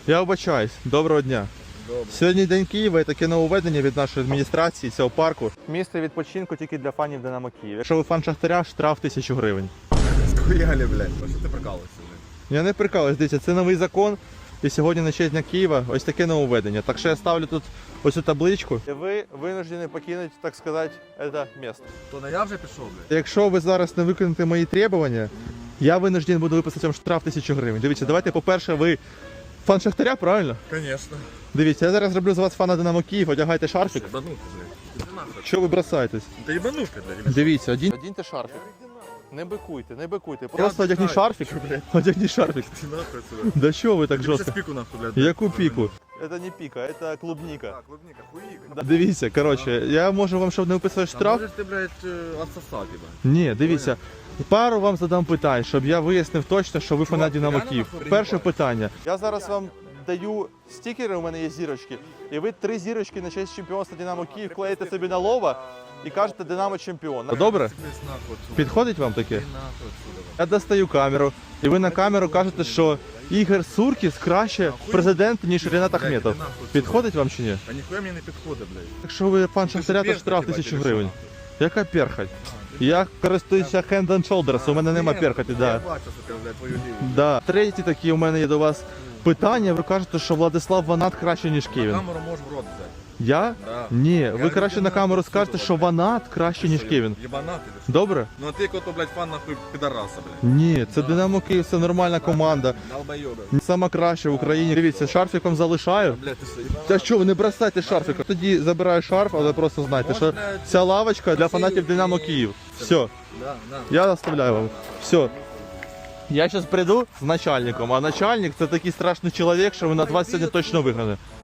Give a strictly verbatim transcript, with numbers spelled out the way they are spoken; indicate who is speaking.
Speaker 1: Я вибачаюсь. Доброго дня.
Speaker 2: Добре.
Speaker 1: Сьогодні День Києва і таке нововведення від нашої адміністрації цього парку. Місце відпочинку тільки для фанів Динамо Київ. Якщо ви фан Шахтаря, штраф тисячу гривень.
Speaker 2: Схуяли, блядь. А що ти прикалуєшся, блядь?
Speaker 1: Я не прикалуюсь, дивіться, це новий закон. І сьогодні на честь Дня Києва ось таке нововведення. Так що я ставлю тут ось цю табличку. І ви винуждені покинути, так сказати, це місце.
Speaker 2: То не я вже пішов, блядь?
Speaker 1: Якщо ви зараз не виконаєте мої требування, я винужден буду виписати вам штраф тисячу гривень. Дивіться, давайте, по-перше, ви фан Шахтаря, правильно?
Speaker 2: Конечно.
Speaker 1: Дивіться, я зараз зроблю з вас фана Динамо Київ, одягайте шарфик.
Speaker 2: Ебануха, блядь. Ти нахуй.
Speaker 1: Що ви бросаєтесь?
Speaker 2: Та ебануха, блядь.
Speaker 1: Дивіться, один... одіньте шарфик. Не бикуйте, не бикуйте. Просто одягніть шарфик. Одягніть шарфик.
Speaker 2: Ти нахуй сюди.
Speaker 1: Да що ви так
Speaker 2: Ти щас
Speaker 1: жорстко?
Speaker 2: піку нахуй, блядь.
Speaker 1: Яку піку? Це не піка, це клубніка.
Speaker 2: Так, клубника, хуїк.
Speaker 1: Дивіться, коротше, я можу вам, щоб не виписувати штраф.
Speaker 2: Можеш ти, блядь, отсосати, блядь.
Speaker 1: Ні, дивіться. Пару вам задам питань, щоб я вияснив точно, що ви фанат Динамо
Speaker 2: реально
Speaker 1: Київ.
Speaker 2: нахуй
Speaker 1: Перше
Speaker 2: приїбав?
Speaker 1: питання. Я зараз вам даю стікери, у мене є зірочки, і ви три зірочки на честь чемпіонства Динамо Київ клеїте собі на лоба і кажете Динамо чемпіон. Добре?
Speaker 2: Сиплись нахуй отсюда.
Speaker 1: Підходить вам таке?
Speaker 2: Ти нахуй отсюда, блядь.
Speaker 1: Я достаю камеру, і ви на камеру кажете, що Ігор Суркіс краще президент, ніж Ренат Ахметов. Підходить вам чи ні?
Speaker 2: Та ніхуя мені не підходить, блядь.
Speaker 1: Якщо ви фан Шахтаря, то штраф тисячу гривень. Яка перхоть? Я користуюся hand and shoulders, у мене нема перхоті,
Speaker 2: Я
Speaker 1: да.
Speaker 2: бачу, що ти, блядь, твою ліву.
Speaker 1: Да. Треті такі у мене є до вас питання. Ви кажете, що Владислав Ванат краще, ніж Кевін.
Speaker 2: Камеру можеш в рот взяти.
Speaker 1: Я?
Speaker 2: Да.
Speaker 1: Ні, ви
Speaker 2: Я
Speaker 1: краще на
Speaker 2: людина
Speaker 1: камеру
Speaker 2: отсюда,
Speaker 1: скажете, що
Speaker 2: блядь.
Speaker 1: Ванат краще, ніж Кевін.
Speaker 2: Єбанати, ти що?
Speaker 1: Добре?
Speaker 2: Ну а ти кото, блядь, фан нахуй підараса, блядь.
Speaker 1: Ні, це Динамо Київ, це нормальна команда.
Speaker 2: Долбойоби.
Speaker 1: Сама краща в Україні. Дивіться, шарфіком залишаю.
Speaker 2: Блядь, ти що, єбанат?
Speaker 1: Та що, ви не бросайте шарфиком. Тоді забираю шарф, але просто знайте, що ця лавочка для фанатів Динамо Київ. Все,
Speaker 2: Да, да.
Speaker 1: я оставляю вам. Все. Я зараз прийду з начальником, а начальник це такий страшний чоловік, що ви на вас сьогодні точно вигнане.